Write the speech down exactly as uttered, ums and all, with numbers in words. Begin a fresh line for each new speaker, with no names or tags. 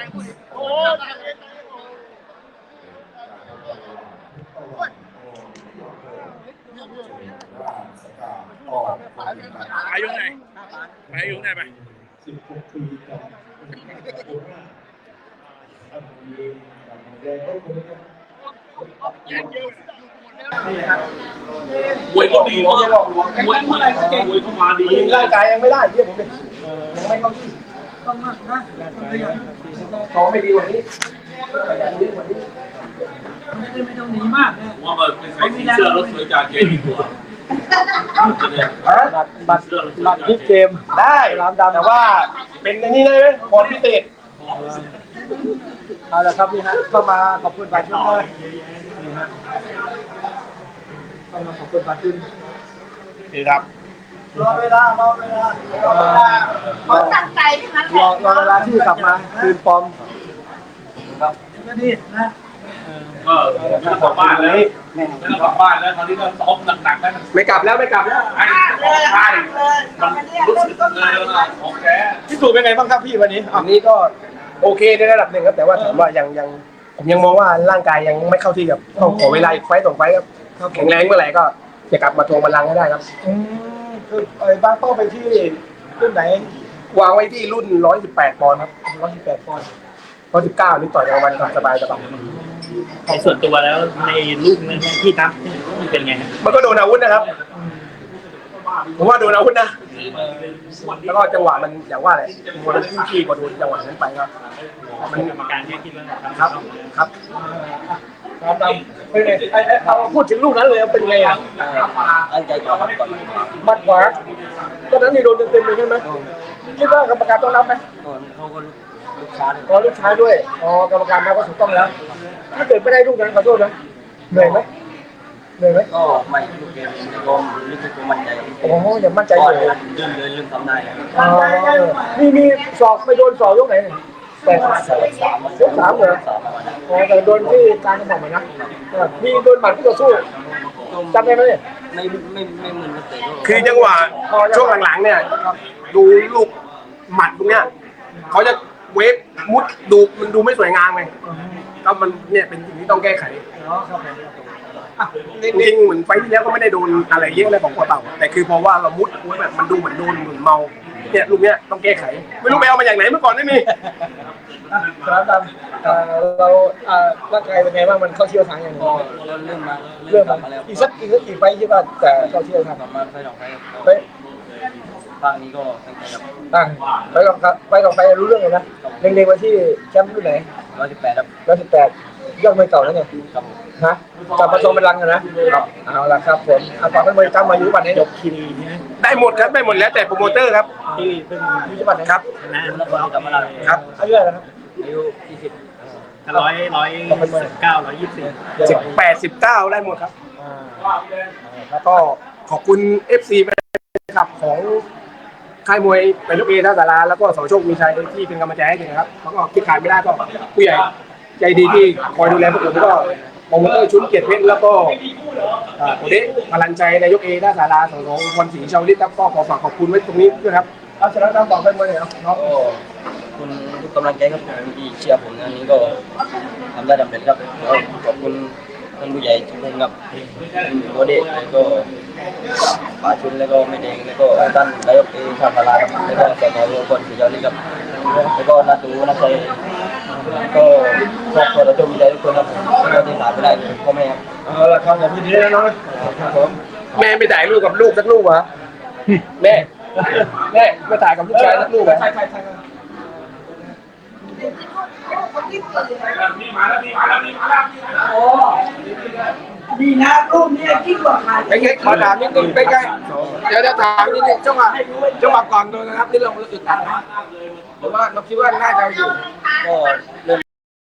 อายุไหนอายุไหนไป
สิบหกปีกับ
มวยก็ดีมากมวยมวยมวยก็มาดี
ร่างกายยังไม่ได้เยี่ยมผมยังไม่เข้าที่ต้องมากนะเขาไม่ดีกว่านี้
ไม่ต้องหนีมากนะ
ว่ามันเป็นใส่สีเสื้อแล้วสวยจากเกมดีกว่า
บัตรบัตรบัตรที่เกมได้ร้านดำแต่ว่าเป็นในนี้ได้ไหมพรพิเศษเอาละครับนี่ฮะเข้ามาขอบคุณบัตรชุดเลยนี่ฮะเข้ามาขอบคุณบัตรชุดนี่ครับรอเวลารอเวลารอเวลา
เขาตั้งใจทั้งนั้นแหละ
รอรอเวลาที่กลับมาคืนฟอร์มครับ
ก็ดีนะ
ก็ไม่ต้องกลับบ้านเลยไม่ต้องกลับบ้านแล้วคราวนี้ก็ซ้อมหนักๆแล้ว
ไม่กลับแล้วไม่กลับแล้ว
ไอ้ของไทยมันรู้สึกเลยของแท้
พี่ตู่เป็นไงบ้างครับพี่วันนี้อันนี้ก็โอเคในระดับหนึ่งครับแต่ว่าถามว่ายังยังผมยังมองว่าร่างกายยังไม่เข้าที่ครับต้องขอเวลาอีกไฟต์สองไฟต์ครับแข็งแรงเมื่อไหร่ก็จะกลับมาทวงบัลลังก์ให้ได้ครับคือไอ้บ้านเป้าไปที่รุ่นไหนวางไว้ที่รุ่นร้อยสิบแปดปอนด์ครับร้อยสิบแปดปอนด์ร้อยสิบเก้านี่ต่อยกลางวันสบายสบาย
ในส่วนตัวแล้วในลูกนั้นที่นับเป็นไง
มันก็โดนอาวุธนะครับผมว่าโดนอาวุธนะแล้วก็จังหวะมันอย่างว่าอะไรมันขึ้นขี้พอโดนจังหวะนั้นไปครับ
มันกรรมการแค่คิดว่า
ครับครับครับเป็นไงไอ้เอาพูดถึงลูกนั้นเลยเป็นไงอ่ะ
ตั้งใจก่อนก่อน
มัดขวาตอนนั้นนี่โดนเต็มๆเลยใช่ไหมคิดว่ากรรมการต้องรับไหม
เขาก็ลูกค้า
อ๋อลูกค้าด้วยอ๋อกรรมการมาก็ถูกต้องแล้วถ้าเกิดไม่ได้ลูกนั้นขอโทษนะเหนื่อยไหมเหนื่อยไหม
ก็ไม่ลูกเกมก็ลึกๆมั่นใจ
โอ้โหยังมั่นใจอยู่
เรื่องเดินเรื่องทำได้
อ๋อนี่มีสอบไปโดนสอบยกไหนแต่
สามสาม
ยกสามเหรออ๋อแต่โดนที่การกระบอกเหมือนนะมีโดนหมัดที่ต่อสู้จำได้ไหมเนี่ย
ไม่ไม่ไม่เหมือนกันแต่
คือจังหวะช่วงหลังๆเนี่ยดูลูกหมัดตรงเนี้ยเขาจะเวฟมุดดูมันดูไม่สวยงามไงก็มันเนี่ยเป็นสิ่งที่ต้องแก้ไขจริงๆเหมือนไฟที่แล้วก็ไม่ได้โดนอะไรเยอะเลยของกัวเต่าแต่คือเพราะว่าเรามุดแบบมันดูเหมือนโดนเหมือนเมาเนี่ยลูกเนี้ยต้องแก้ไขไม่รู้ไปเอามาจากไหนเมื่อก่อนไม่มีครับตามเราร่างกายเป็นไงบ้างมันเข้าเชี่ยวทางอย่าง
ก็เริ่มมา
เริ่มมาอีกสักอีกสักกี่ไฟที่ว่าแต่เข้าเชี่ยวทาง
ประมาณไฟสองไฟ
ไป
บางนี้ก็ตั้งใจครับ
ตั้งไปกับไปกับไปรู้เรื่องเลยนะเล็งๆไว้ที่แชมป์รุ่นไหน
ร้อยสิบแปดครับ
ร้อยสิบแปดยอดมวยเก่าแล้วเนี่ยฮะกลับมาชมเป็นรังกันนะเอาละครับผมเอาตอนนั้นมวยจำมาอยู่วันนี้
ยกคีรี
ได้หมดครับได้หมดแล้วแต่โปรโมเตอร์ครับ
ที่เป็น
ที่จังหวัดนะครับ
นะแล้วก็กลับมาแล้ว
ครับอายุเท่าไหร่ครับ
อายุยี่สิบ
ร้อยร้อยสิบเก้าร้อยยี่สิบสี่
สิบแปดสิบเก้าได้หมดครับแล้วก็ขอบคุณเอฟซีแฟนคลับของค่ายมวยเป็นลูกเอท่าสาราแล้วก็สโชคมีชัยที่เป็นกำลังใจให้กันครับแล้วก็คิดขายไม่ได้ก็ผู้ใหญ่ใจดีที่คอยดูแลพวกผมก็โปรโมเตอร์ชุนเกียรติเพชรแล้วก็โอเดะพลังใจนายกเอท่าสาราของของวันศรีชาวลิศครับก็ขอฝากขอบคุณไว้ตรงนี้ด้วยครับเอาชนะน้ำต่อไปเมื่อไหร่ครับ
คุณทุกกำลังใจครับที่เชียร์ผมอันนี้ก็ทำได้สำเร็จครับขอบคุณท่านผู้ใหญ่ทุกคนครับโอเดะแล้วก็ป่าชุนแล้วก็ไม่แดงแล้วก็ท่านนายกเอท่าสาราครับแล้วก็สสทุกคนที่เชียร์ครับแล้วก็นักดูนักใจก็ครอบครัวเราจะมีใจทุกคนครับก็ที่ขาดไม่ได้พ่อแม่ครับ
เอาละครับอย่างนี้นะน้องครับผมแม่ไม่ถ่ายรูปกับลูกสักรูปเหรอแม่แม่ไม่ถ่ายกับลูกชายสักรูปเหรอใช่ใช่ใช่
นี่มาแล้วนี่มาแล้วนี่มาแล้ว
โอ้ดีนะรูปนี้ยิ่งกว่าใคร
ไปไงขอถามนิดนึงไปไงเดี๋ยวจะถามนิดนึงจังหวะจังหวะก่อนโดนนะครับที่เราอึดอัดนะหรือว่าเราคิดว่าน่าจะอยู่
ก็เริ่ม